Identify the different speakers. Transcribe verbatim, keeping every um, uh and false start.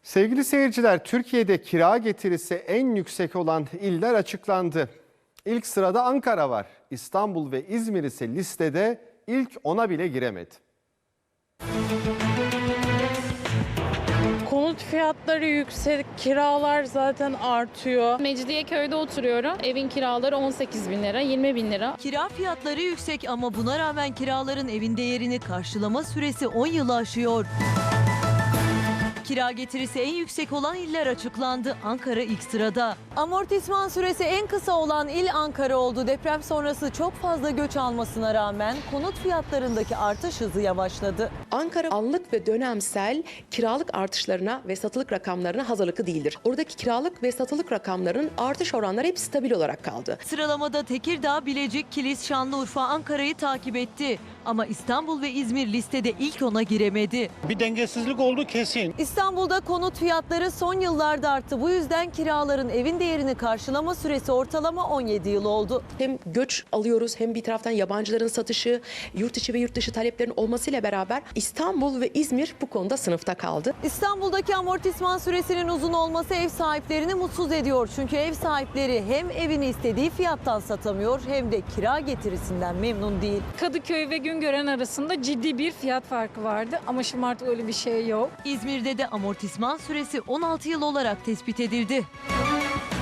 Speaker 1: Sevgili seyirciler, Türkiye'de kira getirisi en yüksek olan iller açıklandı. İlk sırada Ankara var. İstanbul ve İzmir ise listede ilk ona bile giremedi.
Speaker 2: Konut fiyatları yüksek, kiralar zaten artıyor.
Speaker 3: Mecidiyeköy'de oturuyorum. Evin kiraları on sekiz bin lira, yirmi bin lira.
Speaker 4: Kira fiyatları yüksek ama buna rağmen kiraların evin değerini karşılama süresi on yılı aşıyor. Kira getirisi en yüksek olan iller açıklandı. Ankara ilk sırada. Amortisman süresi en kısa olan il Ankara oldu. Deprem sonrası çok fazla göç almasına rağmen konut fiyatlarındaki artış hızı yavaşladı.
Speaker 5: Ankara anlık ve dönemsel kiralık artışlarına ve satılık rakamlarına hazırlıklı değildir. Oradaki kiralık ve satılık rakamların artış oranları hep stabil olarak kaldı.
Speaker 4: Sıralamada Tekirdağ, Bilecik, Kilis, Şanlıurfa, Ankara'yı takip etti. Ama İstanbul ve İzmir listede ilk ona giremedi.
Speaker 6: Bir dengesizlik oldu kesin.
Speaker 4: İstanbul'da konut fiyatları son yıllarda arttı. Bu yüzden kiraların evin değerini karşılama süresi ortalama on yedi yıl oldu.
Speaker 5: Hem göç alıyoruz hem bir taraftan yabancıların satışı, yurt içi ve yurt dışı taleplerin olmasıyla beraber İstanbul ve İzmir bu konuda sınıfta kaldı.
Speaker 4: İstanbul'daki amortisman süresinin uzun olması ev sahiplerini mutsuz ediyor. Çünkü ev sahipleri hem evini istediği fiyattan satamıyor hem de kira getirisinden memnun değil.
Speaker 2: Kadıköy ve Güngören arasında ciddi bir fiyat farkı vardı ama şimdi artık öyle bir şey yok.
Speaker 4: İzmir'de de amortisman süresi on altı yıl olarak tespit edildi.